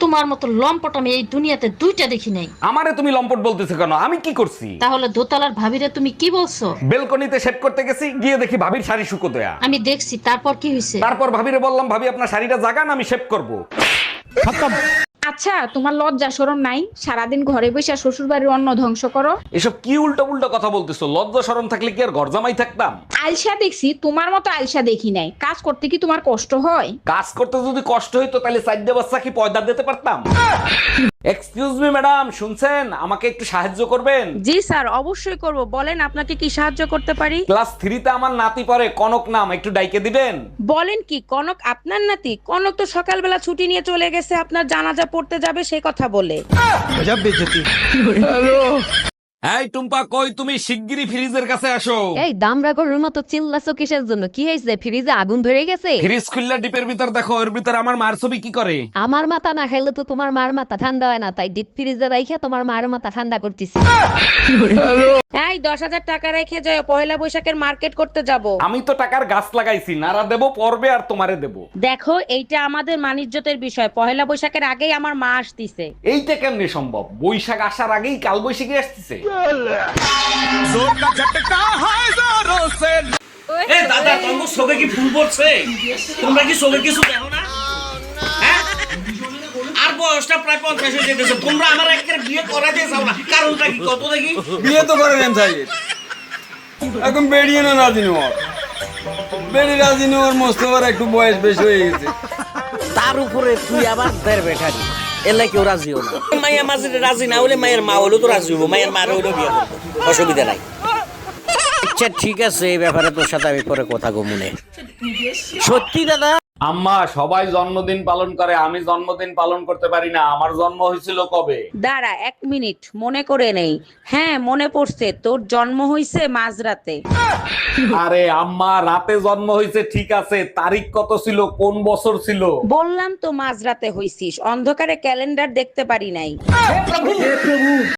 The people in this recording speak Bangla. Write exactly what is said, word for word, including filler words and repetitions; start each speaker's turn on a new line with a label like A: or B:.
A: তোমার মতো লম্পট আমি এই দুনিয়াতে দুইটা দেখি নাই।
B: আমারে তুমি লম্পট বলতেছো কেন? আমি কি করছি?
A: তাহলে দোতলার ভাবিরে তুমি কি বলছো?
B: বেলকনিতে শেভ করতে গেছি, গিয়ে দেখি ভাবির শাড়ি শুকো দেয়া।
A: আমি দেখছি, তারপর কি হয়েছে?
B: তারপর ভাবিরে বললাম, ভাবি আপনার শাড়িটা জাগান, আমি শেভ করব।
C: আচ্ছা, তোমার লজ্জা শরম নাই? সারাদিন ঘরে বসে শ্বশুর বাড়ির অন্ন ধ্বংস করো।
B: এসব কি উল্টো উল্টো কথা বলতেছো? লজ্জা শরম থাকলে কি আর ঘর জামাই থাকতাম?
C: আলসা দেখছি, তোমার মতো আলসা দেখি নাই। কাজ করতে কি তোমার কষ্ট হয়?
B: কাজ করতে যদি কষ্ট হইতো তাহলে চারটে বাচ্চা কি পয়দা দিতে পারতাম? এক্সকিউজ মি ম্যাডাম, শুনছেন? আমাকে একটু সাহায্য করবেন?
D: জি স্যার, অবশ্যই করব। বলেন আপনাকে কি সাহায্য করতে পারি?
B: ক্লাস থ্রিতে আমার নাতি পড়ে, কনক নাম, একটু ডাইকে দিবেন?
D: বলেন কি, কনক আপনার নাতি? কনক তো সকালবেলা ছুটি নিয়ে চলে গেছে আপনার জানাজা পড়তে যাবে সেই কথা বলে।
B: এই টুম্পা, কই তুমি? শিগগিরই ফ্রিজের কাছে আসো।
E: এই দামরা গরুর মতো চিল্লাছো কিসের জন্য? কি হয়েছে? ফ্রিজে আগুন ধরে গেছে?
B: ফ্রিজ খুললে ডিপের ভিতর দেখো, এর ভিতর আমার মার ছবি কি করে?
E: আমার মাথা না খাইলে তো তোমার মার মাথা ঠান্ডা হয় না, তাই ডিপ ফ্রিজে রাইখা তোমার মার মাথা ঠান্ডা করতেছি।
D: এই দশ হাজার টাকা রেখে যাও, পয়লা বৈশাখের মার্কেট করতে যাব।
B: আমি তো টাকার গাছ লাগাইছি, নারা দেবো পর্বে আর তোমারে দেবো।
D: দেখো, এইটা আমাদের মানিজ্যতের বিষয়। পয়লা বৈশাখের আগেই আমার মা আসতিছে।
B: এইটা কেমনে সম্ভব? বৈশাখ আসার আগেই কাল বৈশাখী আসতেছে।
F: এ দাদা, তোমার চোখে কি ফুল পড়ছে? তোমরা কি চোখে কিছু দেখো না? হ্যাঁ? আর বয়সটা প্রায় পঞ্চাশ হয়ে যেতেছে, তোমরা আমার একটা বিয়ে করা দিয়ে চাও না। কারণটা কি কত দেখি?
G: বিয়ে তো করে নেন সাইড, এখন বেরিয়ে না রাজি নেওয়ার, বেরিয়ে রাজি নেওয়ার মোস্তফার একটু বয়স বেশি হয়ে গেছে।
F: তার উপরে তুই আবার দের বেঠারি, এলে কেউ রাজি হলো না। মাইয়া মাঝে রাজি না হলে মায়ের মা হলেও তো রাজি হবো, মায়ের মার হলেও বিয়ে করবো, অসুবিধা নাই। আচ্ছা ঠিক আছে, এই ব্যাপারে তোর সাথে আমি পরে কথা গমুনে। সত্যি দাদা?
B: আম্মা, সবাই জন্মদিন পালন করে, আমি জন্মদিন পালন করতে পারি না। আমার জন্ম হয়েছিল কবে?
D: দাঁড়া এক মিনিট, মনে করে নেই। হ্যাঁ মনে পড়ছে, তোর জন্ম হইছে মাঝরাতে।
B: আরে আম্মা, রাতে জন্ম হয়েছে ঠিক আছে, তারিখ কত ছিল, কোন বছর ছিল?
D: বললাম তো মাঝরাতে হইছিস, অন্ধকারে ক্যালেন্ডার দেখতে পারি নাই।